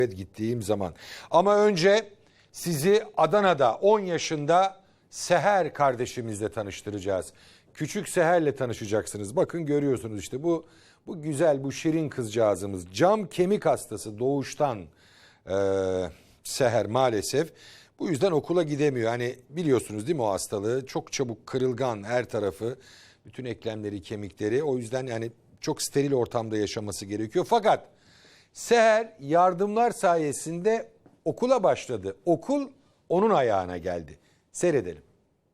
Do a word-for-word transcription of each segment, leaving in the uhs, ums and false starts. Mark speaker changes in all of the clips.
Speaker 1: gittiğim zaman. Ama önce sizi Adana'da on yaşında Seher kardeşimizle tanıştıracağız. Küçük Seher'le tanışacaksınız. Bakın görüyorsunuz işte bu bu güzel, bu şirin kızcağızımız. Cam kemik hastası doğuştan e, Seher maalesef. Bu yüzden okula gidemiyor. Hani biliyorsunuz değil mi o hastalığı? Çok çabuk kırılgan her tarafı, bütün eklemleri, kemikleri. O yüzden yani çok steril ortamda yaşaması gerekiyor. Fakat Seher yardımlar sayesinde okula başladı. Okul onun ayağına geldi. Seyredelim.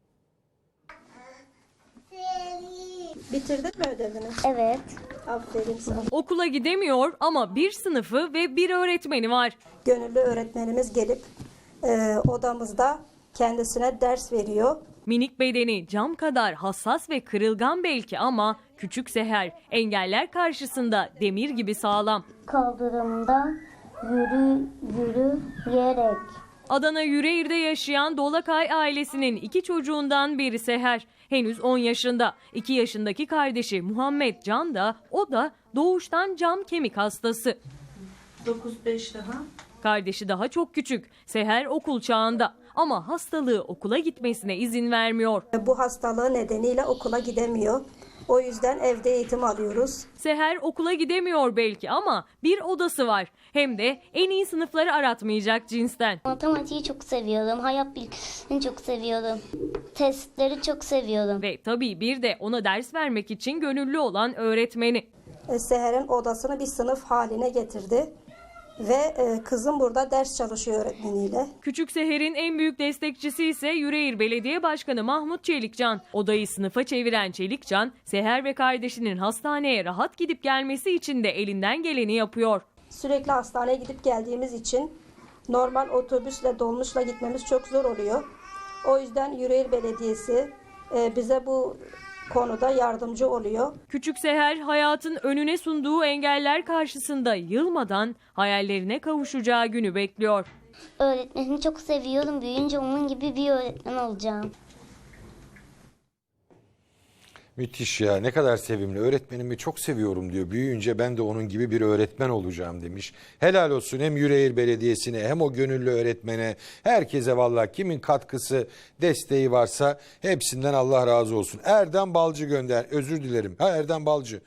Speaker 2: Bitirdin mi ödevini?
Speaker 3: Evet.
Speaker 2: Aferin sana.
Speaker 4: Okula gidemiyor ama bir sınıfı ve bir öğretmeni var.
Speaker 2: Gönüllü öğretmenimiz gelip e, odamızda kendisine ders veriyor.
Speaker 4: Minik bedeni cam kadar hassas ve kırılgan belki ama küçük Seher engeller karşısında demir gibi sağlam.
Speaker 3: Kaldırımda yürü yürüyerek.
Speaker 4: Adana Yüreğir'de yaşayan Dolakay ailesinin iki çocuğundan biri Seher. Henüz on yaşında. iki yaşındaki kardeşi Muhammed Can da o da doğuştan cam kemik hastası.
Speaker 5: dokuz beş daha.
Speaker 4: Kardeşi daha çok küçük. Seher okul çağında ama hastalığı okula gitmesine izin vermiyor.
Speaker 2: Bu hastalığı nedeniyle okula gidemiyor. O yüzden evde eğitim alıyoruz.
Speaker 4: Seher okula gidemiyor belki ama bir odası var. Hem de en iyi sınıfları aratmayacak cinsten.
Speaker 3: Matematiği çok seviyorum. Hayat bilgisini çok seviyorum. Testleri çok seviyorum.
Speaker 4: Ve tabii bir de ona ders vermek için gönüllü olan öğretmeni.
Speaker 2: E, Seher'in odasını bir sınıf haline getirdi. Ve e, kızım burada ders çalışıyor öğretmeniyle.
Speaker 4: Küçük Seher'in en büyük destekçisi ise Yüreğir Belediye Başkanı Mahmut Çelikcan. Odayı sınıfa çeviren Çelikcan, Seher ve kardeşinin hastaneye rahat gidip gelmesi için de elinden geleni yapıyor.
Speaker 2: Sürekli hastaneye gidip geldiğimiz için normal otobüsle, dolmuşla gitmemiz çok zor oluyor. O yüzden Yüreğir Belediyesi e, bize bu konuda yardımcı oluyor.
Speaker 4: Küçük Seher hayatın önüne sunduğu engeller karşısında yılmadan hayallerine kavuşacağı günü bekliyor.
Speaker 3: Öğretmenimi çok seviyorum. Büyüyünce onun gibi bir öğretmen olacağım.
Speaker 1: Müthiş ya, ne kadar sevimli. Öğretmenimi çok seviyorum diyor. Büyüyünce ben de onun gibi bir öğretmen olacağım demiş. Helal olsun hem Yüreğir Belediyesi'ne hem o gönüllü öğretmene, herkese vallahi kimin katkısı, desteği varsa hepsinden Allah razı olsun. Erdem Balcı gönder. Özür dilerim. Ha Erdem Balcı.